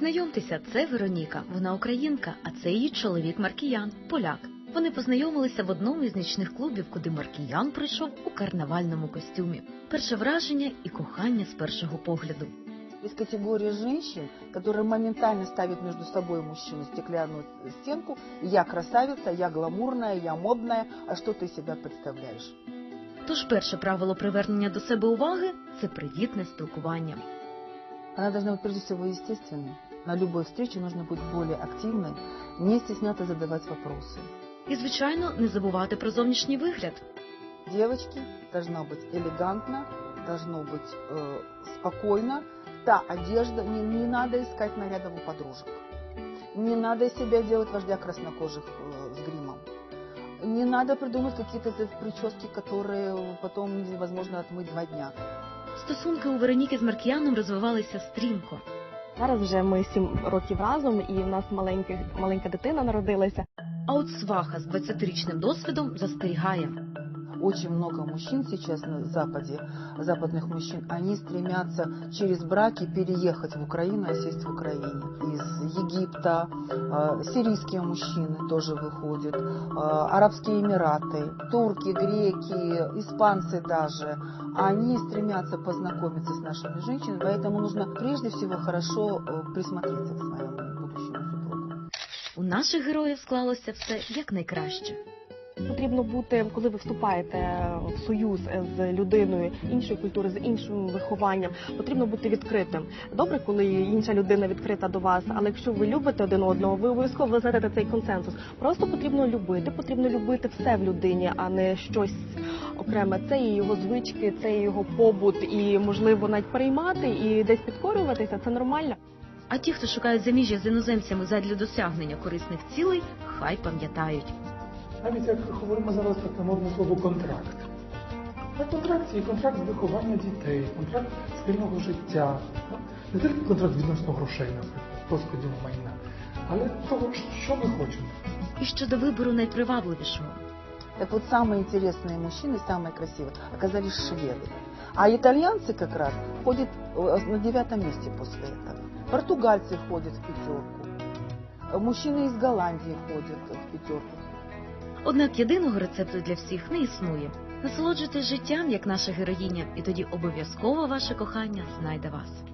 Знайомтеся, це Вероніка, вона українка, а це її чоловік Маркіян, поляк. Вони познайомилися в одному із нічних клубів, куди Маркіян прийшов у карнавальному костюмі. Перше враження і кохання з першого погляду. Есть категория женщин, которые моментально ставят между собой мужчину стеклянную стенку. Я красавица, я гламурная, я модная, а что ты себя представляешь? Тож перше правило привернення до себе уваги – це привітне спілкування. Она должна быть прежде всего естественной. На любой встрече нужно быть более активной, не стесняться задавать вопросы. І, звичайно, не забувати про зовнішній вигляд. Девочки, должно быть элегантно, должно быть спокойно. Та одежда, не надо искать нарядов у подружек. Не надо из себя делать вождя краснокожих с гримом. Не надо придумать какие-то прически, которые потом невозможно отмыть 2 дня. Стосунки у Вероніки з Маркіяном розвивалися стрімко. Зараз вже ми 7 років разом, і в нас маленька дитина народилася. А от сваха з 20-річним досвідом застерігає. Очень много мужчин сейчас на Западе, западных мужчин, они стремятся через браки переехать в Украину, осесть в Украине. Из Египта, сирийские мужчины тоже выходят, Арабские Эмираты, турки, греки, испанцы даже. Они стремятся познакомиться с нашими женщинами, поэтому нужно прежде всего хорошо присмотреться к своему будущему супругу. У наших героїв склалося все якнайкраще. Потрібно бути, коли ви вступаєте в союз з людиною іншої культури, з іншим вихованням, потрібно бути відкритим. Добре, коли інша людина відкрита до вас, але якщо ви любите один одного, ви обов'язково знайдете цей консенсус. Просто потрібно любити все в людині, а не щось окреме. Це і його звички, це і його побут, і, можливо, навіть переймати і десь підкорюватися – це нормально. А ті, хто шукають заміжжя з іноземцями задля досягнення корисних цілей, хай пам'ятають. Навіть як говоримо зараз таке модне слово «контракт». А контракт – це і контракт з виховання дітей, контракт спільного життя. Не тільки контракт відносно грошей, наприклад, розподілу майна, але того, що ми хочемо. І щодо вибору найпривабливішого. Так вот, самые интересные мужчины, самые красивые, оказались шведы. А итальянцы как раз ходят на 9-м месте после этого. Португальцы ходят в 5-ку. Мужчины из Голландии ходят в 5-ку. Однак єдиного рецепту для всіх не існує. Насолоджуйтесь життям, як наша героїня, і тоді обов'язково ваше кохання знайде вас.